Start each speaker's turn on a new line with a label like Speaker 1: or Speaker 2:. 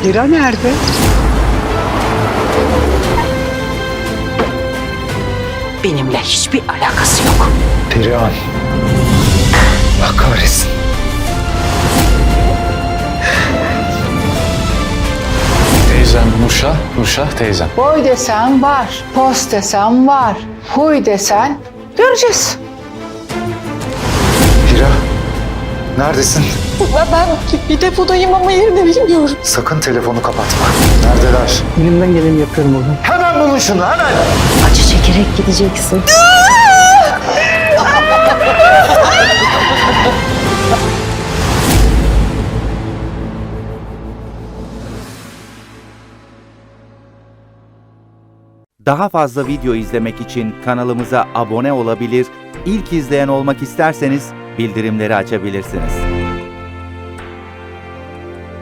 Speaker 1: Hira nerede?
Speaker 2: Benimle hiçbir alakası yok.
Speaker 3: Perihan. Allah kahretsin.
Speaker 4: Teyzem Nurşah teyzem.
Speaker 5: Boy desen var, pos desen var, huy desen göreceğiz.
Speaker 3: Hira. Neredesin?
Speaker 5: Ben bir depodayım ama yerini bilmiyorum.
Speaker 3: Sakın telefonu kapatma. Neredeler?
Speaker 1: Elimden geleni yapıyorum oğlum.
Speaker 3: Hemen bulun şunu hemen.
Speaker 2: Acı çekerek gideceksin.
Speaker 6: Daha fazla video izlemek için kanalımıza abone olabilir, ilk izleyen olmak isterseniz bildirimleri açabilirsiniz.